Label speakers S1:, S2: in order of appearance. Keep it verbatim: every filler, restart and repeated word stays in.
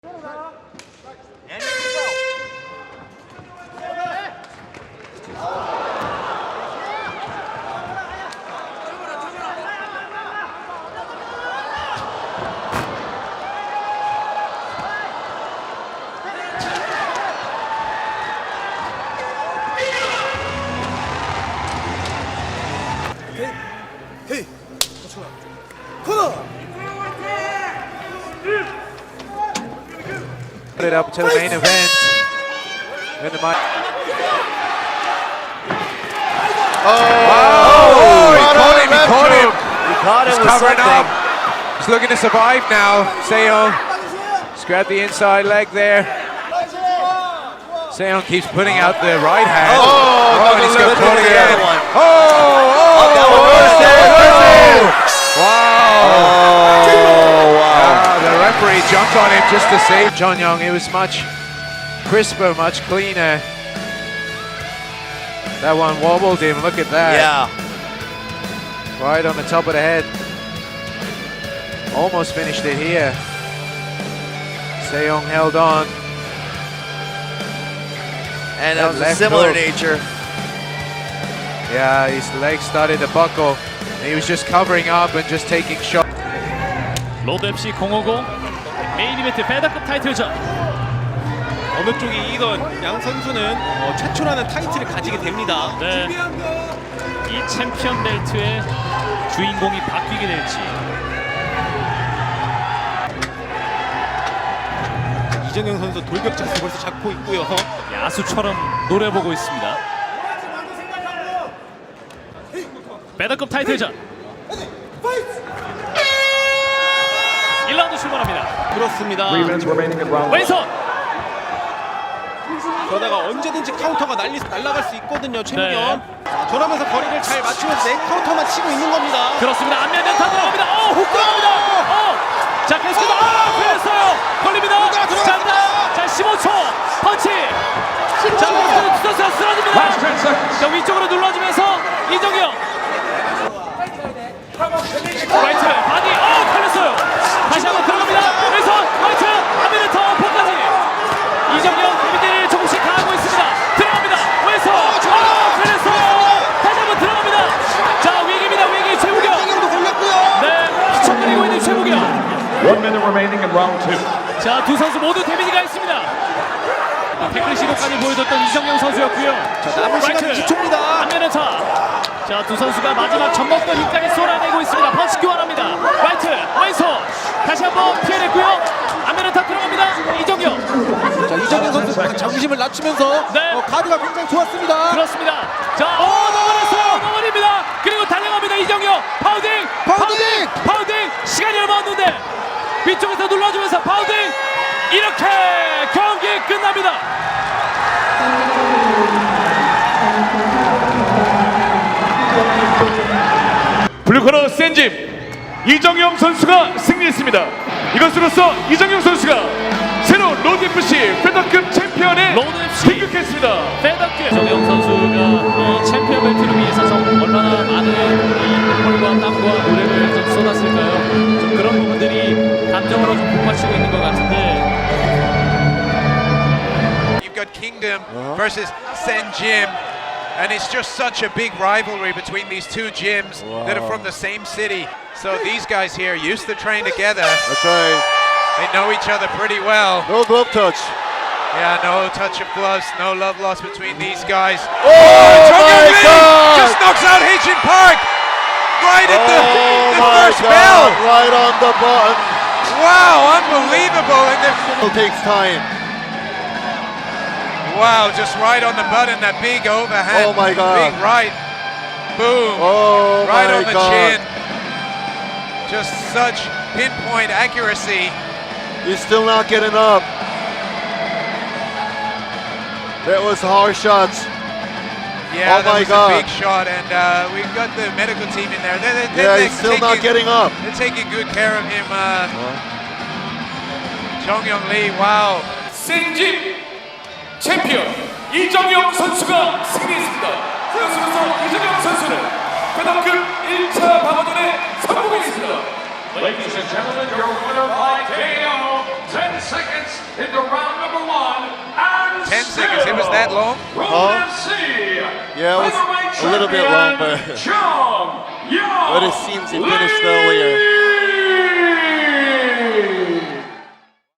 S1: Hey, corner.
S2: Put it up to the main event. When the mic.
S3: Oh,
S2: Oh, he caught him, he
S3: left
S2: caught him.
S3: hook. He caught him
S2: He's
S3: with
S2: covering
S3: something.
S2: up. He's looking to survive now. Seong. He's grabbed the inside leg there. Seong keeps putting out the right hand.
S3: Oh,
S2: and
S3: another
S2: he's got
S3: lift
S2: caught
S3: to the
S2: again.
S3: other one.
S2: Oh, oh,
S3: that one
S2: oh,
S3: reversed it, reversed it.
S2: Wow.
S3: Oh, wow.
S2: Ah, the referee jumped on him just to save John Young. It was much crisper, much cleaner. That one wobbled him. Look at that.
S3: Yeah.
S2: Right on the top of the head. Almost finished it here. Seong held on.
S3: And
S2: That
S3: that was a
S2: left
S3: similar
S2: hook.
S3: nature.
S2: Yeah, his legs started to buckle. And he was just covering up and just taking shots.
S4: 로드 앳씨 공오공 메인 이벤트 페더급 타이틀전.
S5: 어느 쪽이 이기던 양 선수는 어, 최초라는 타이틀을 가지게 됩니다.
S4: 네. 이 챔피언 벨트의 주인공이 바뀌게 될지.
S5: 이정현 선수 돌격 자세 벌써 잡고 있고요.
S4: 야수처럼 노려보고 있습니다. 페더급 타이틀전. 일 라운드 출발합니다.
S5: 그렇습니다.
S4: 왼손.
S5: 그러다가 언제든지 카운터가 날리, 날아갈 수 있거든요, 최무겸.
S4: 네.
S5: 자, 저러면서 거리를 잘 맞추면서 내 카운터만 치고 있는 겁니다.
S4: 그렇습니다. 안면 연타 들어갑니다. 어, 훅 들어갑니다. 어. 자, 계속해서 아, 걸렸어요. 걸립니다.
S5: 들어가, 들어가,
S4: 자,
S5: 들어가.
S4: 자, 십오 초 펀치. 자, 선수가 쓰러집니다. 자, 위쪽으로 눌러주면서 이정현. 라이트 바디. 어, 걸렸어요. 다시 한번 들어갑니다. 왼손 라이트 안면 더 포까지. 이정현 데미지를 조금씩 가하고 있습니다. 들어갑니다. 왼손. 어, 걸렸어요. 다시 한번 들어갑니다. 자, 위기입니다. 위기 최무경.
S5: 이정현도 걸렸고요.
S4: 네, 휘청거리고 있는 최무경.
S6: One minute remaining in round two.
S4: 자, 두 선수 모두 데미지가 있습니다. 태클 시도까지 보여줬던 이정영 선수였고요.
S5: 자, 남은 시간 이십 초입니다.
S4: 안면의 차. 자, 두 선수가 마지막 젖먹던 힘까지 쏟아내고 있습니다. 펀치 교환합니다. 라이트, 왼손. 다시 한번 피해냈고요. 안면의 타 들어갑니다. 이정영.
S5: 자, 이정현 선수 정심을 낮추면서
S4: 네.
S5: 어, 카드가 굉장히 좋았습니다.
S4: 그렇습니다. 자, 어, 넘어졌어요. 넘어집니다. 그리고 달려갑니다. 이정영. 파우딩,
S5: 파우딩!
S4: 파우딩. 시간이 얼마 없는데 위쪽에서 눌러주면서 파우딩. 이렇게 경기 끝납니다.
S6: 블루코너 센짐 이정영 선수가 승리했습니다. 이것으로써 이정영 선수가 새로운 로드에프씨 페더급 챔피언에
S4: 로드 에프씨.
S6: 등극했습니다.
S4: 페더급 정영 선수가 이 챔피언 벨트를 위해서 정 얼마나 많은 이 땀과 땀과 노력을 좀 쏟았을까요? 좀 그런 부분들이 감정으로 좀 북받치고 있는 것 같은데.
S2: You've got Kingdom versus Sen Gym. And it's just such a big rivalry between these two gyms that are from the same city. So these guys here used to train together.
S3: That's right.
S2: They know each other pretty well.
S3: No glove touch.
S2: Yeah, no touch of gloves, no love lost between these guys.
S3: Oh,
S2: Chung
S3: my
S2: Young Lee
S3: God!
S2: just knocks out Hee-Jin Park right at the,
S3: Oh,
S2: the
S3: my
S2: first
S3: God.
S2: bell.
S3: Right on the button.
S2: Wow, unbelievable. And the-
S3: It takes time.
S2: wow, just right on the button, that big overhand.
S3: Oh, my God.
S2: Big right. Boom.
S3: Oh,
S2: right
S3: my
S2: on the
S3: God.
S2: chin. Just such pinpoint accuracy.
S3: He's still not getting up. That was hard shots.
S2: Yeah,
S3: Oh
S2: that
S3: my
S2: was
S3: God.
S2: a big shot, and uh, we've got the medical team in there. They're, they're,
S3: Yeah,
S2: they're
S3: he's still
S2: taking,
S3: not getting up.
S2: They're taking good care of him. Uh, Chung Young Lee, wow.
S6: 센짐 챔피언 이정영 선수가 승리했습니다. 그것으로써 이정영 선수는 페더급 일 차 방어전에 성공했습니다. Ladies and gentlemen, your winner by K O. Ten seconds into round number one. And
S2: Ten seconds, it was that long?
S6: Roman F C.
S3: Yeah, it was a little bit long, but
S6: Chung Yao
S3: but it seems he finished earlier.